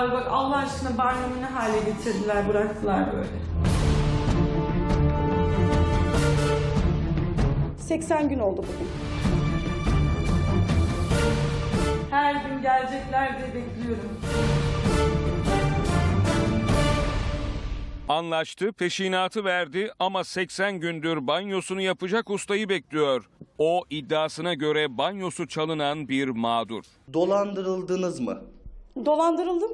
Abi bak Allah aşkına banyomu ne hale getirdiler, bıraktılar böyle. 80 gün oldu bugün. Her gün gelecekler diye bekliyorum. Anlaştı, peşinatı verdi ama 80 gündür banyosunu yapacak ustayı bekliyor. O iddiasına göre banyosu çalınan bir mağdur. Dolandırıldınız mı? Dolandırıldım.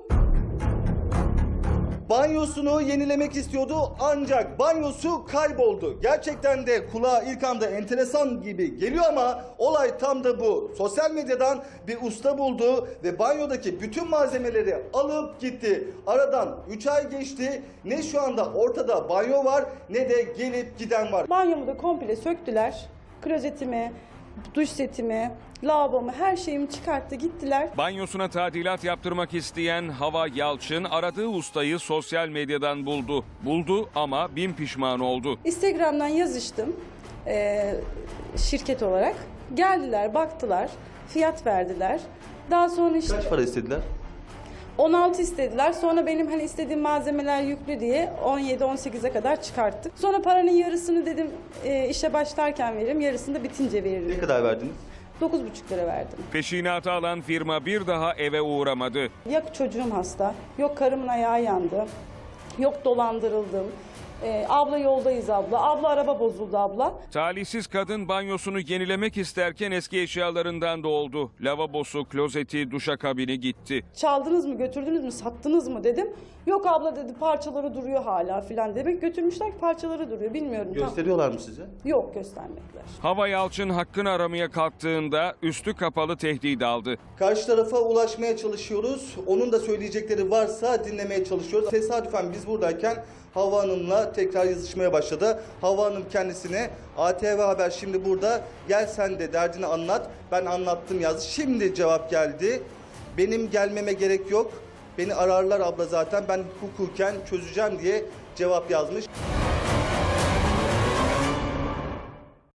Banyosunu yenilemek istiyordu ancak banyosu kayboldu. Gerçekten de kulağa ilk anda enteresan gibi geliyor ama olay tam da bu. Sosyal medyadan bir usta buldu ve banyodaki bütün malzemeleri alıp gitti. Aradan 3 ay geçti. Ne şu anda ortada banyo var ne de gelip giden var. Banyomu da komple söktüler. Klozetimi, duş setimi, lavabomu, her şeyimi çıkarttı gittiler. Banyosuna tadilat yaptırmak isteyen Hava Yalçın aradığı ustayı sosyal medyadan buldu. Buldu ama bin pişman oldu. Instagram'dan yazıştım şirket olarak. Geldiler, baktılar, fiyat verdiler. Daha sonra işte Kaç para istediler? 16 istediler. Sonra benim hani istediğim malzemeler yüklü diye 17-18'e kadar çıkarttık. Sonra paranın yarısını dedim işe başlarken veririm, yarısını da bitince Ne veririm. kadar verdiniz? 9,5 lira verdim. Peşinatı alan firma bir daha eve uğramadı. Yok çocuğum hasta, yok karımın ayağı yandı, yok dolandırıldım. Abla yoldayız abla, abla araba bozuldu abla. Talihsiz kadın banyosunu yenilemek isterken eski eşyalarından da oldu. Lavabosu, klozeti, duşakabini gitti. Çaldınız mı, götürdünüz mü, sattınız mı dedim. Yok abla dedi, parçaları duruyor hala filan demek. Götürmüşler, parçaları duruyor, bilmiyorum. Gösteriyorlar mı size? Yok, göstermediler. Hava Yalçın hakkını aramaya kalktığında üstü kapalı tehdit aldı. Karşı tarafa ulaşmaya çalışıyoruz. Onun da söyleyecekleri varsa dinlemeye çalışıyoruz. Tesadüfen biz buradayken Hava Hanım'la tekrar yazışmaya başladı. Hava Hanım kendisine ATV Haber şimdi burada, gel sen de derdini anlat. Ben anlattım yazdı. Şimdi cevap geldi. Benim gelmeme gerek yok. Beni ararlar abla zaten, ben hukuken çözeceğim diye cevap yazmış.